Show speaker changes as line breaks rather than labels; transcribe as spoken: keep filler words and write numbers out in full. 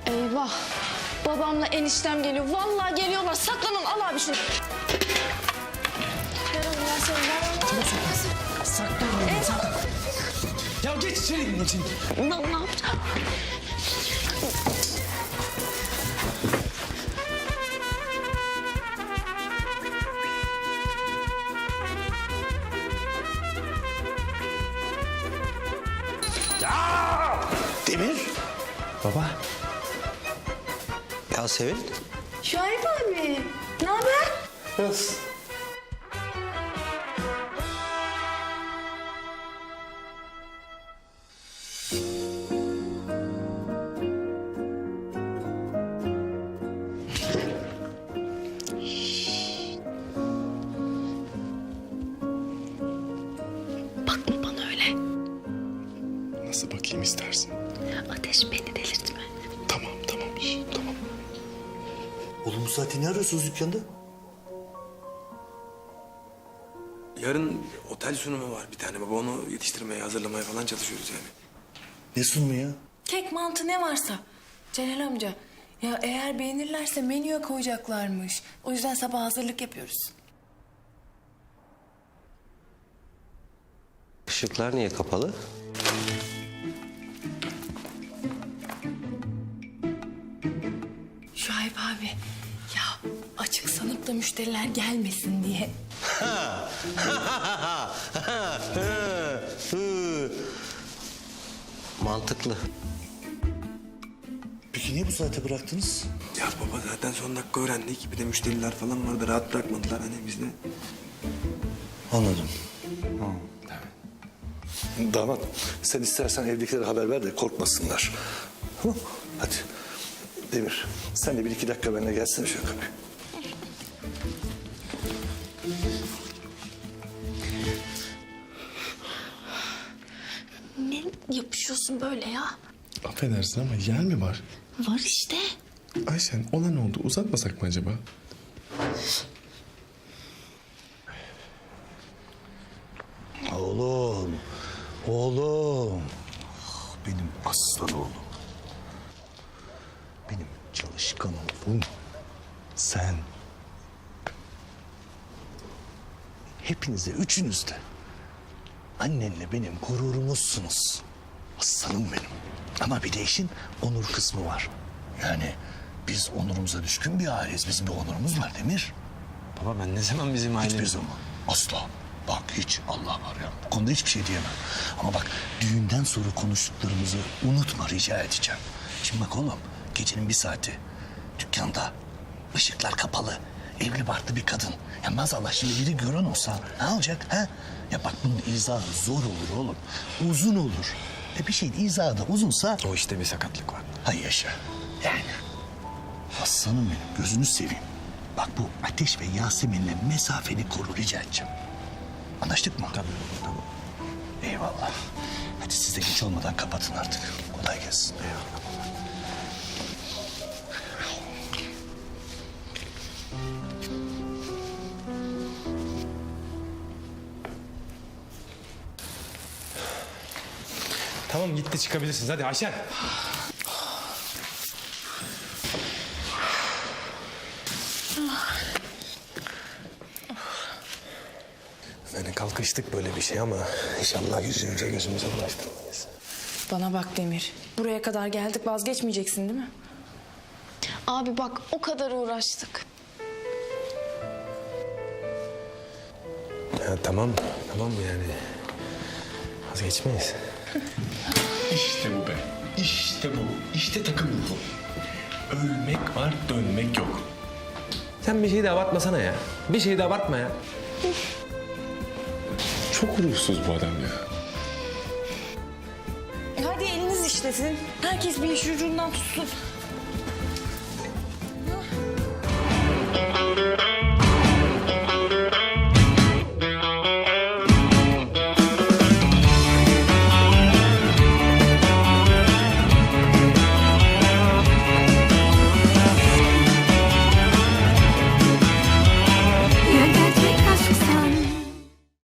Eyvah. Babamla eniştem geliyor. Vallahi geliyorlar. Saklanın. Al abi şunu. Ver Allah seni. Ver Allah seni.
Saklan, saklan. Ya geç içeri geçin.
Ne, ne yapacağım?
Demir.
Baba.
Ya Sevil.
Şahip abi. Ne haber?
Nasıl?
Bakma bana öyle.
Nasıl bakayım istersin?
Ateş beni delirtme.
Tamam, tamam, şş, tamam.
Oğlum bu saatte ne arıyorsunuz dükkanda?
Yarın otel sunumu var bir tane baba. Onu yetiştirmeye, hazırlamaya falan çalışıyoruz yani.
Ne sunumu ya?
Kek, mantı ne varsa. Celal amca, ya eğer beğenirlerse menüye koyacaklarmış. O yüzden sabah hazırlık yapıyoruz.
Işıklar niye kapalı?
Şuayb abi, ya açık sanıp da müşteriler gelmesin diye.
Mantıklı. Peki niye bu saate bıraktınız?
Ya baba zaten son dakika öğrendik. Bir de müşteriler falan vardı. Rahat bırakmadılar hani biz de.
Anladım.
Damat, sen istersen evdekilere haber ver de korkmasınlar. Hı? Hadi. Demir, sen de bir iki dakika benimle gelsene şu kapıya.
Ne yapışıyorsun böyle ya?
Affedersin ama yer mi var?
Var işte.
Ayşen, olan oldu. Uzatmasak mı acaba?
Oğlum, oğlum. Ah, benim aslan oğlum. Benim çalışkan oğlum. Sen. Hepinize, üçünüz de. Annenle benim gururumuzsunuz. Aslanım benim. Ama bir de işin onur kısmı var. Yani biz onurumuza düşkün bir aileyiz. Bizim bir onurumuz var Demir.
Baba ben ne zaman bizim
Hiçbir
ailemiz...
zaman. Asla. Bak hiç Allah var ya. Bu konuda hiçbir şey diyemem. Ama bak düğünden sonra konuştuklarımızı unutma rica edeceğim. Şimdi bak oğlum gecenin bir saati dükkanda ışıklar kapalı. Evli barklı bir kadın. Ya maazallah şimdi biri gören olsa ne olacak ha? Ya bak bunun izahı zor olur oğlum. Uzun olur. E bir şeyin izahı da uzunsa...
O işte bir sakatlık var.
Hay yaşa. Yani. Aslanım benim gözünü seveyim. Bak bu Ateş ve Yasemin'le mesafeni koru rica edeceğim. Anlaştık mı?
Tabii, tamam.
Eyvallah. Hadi siz de geç olmadan kapatın artık. Kolay gelsin.
Eyvallah.
Tamam, gitti, çıkabilirsiniz. Hadi Ayşen.
Yani kalkıştık böyle bir şey ama inşallah yüzümüze gözümüze bulaştırmayız.
Bana bak Demir, buraya kadar geldik, vazgeçmeyeceksin değil mi?
Abi bak o kadar uğraştık.
Ya tamam, tamam yani. Vazgeçmeyiz.
İşte bu be. İşte bu. İşte takım ruhu. Ölmek var, dönmek yok.
Sen bir şeyi de abartmasana ya. Bir şeyi de abartma ya.
Çok ruhsuz bu adam ya.
Hadi eliniz işlesin. Herkes bir iş ucundan tutsun.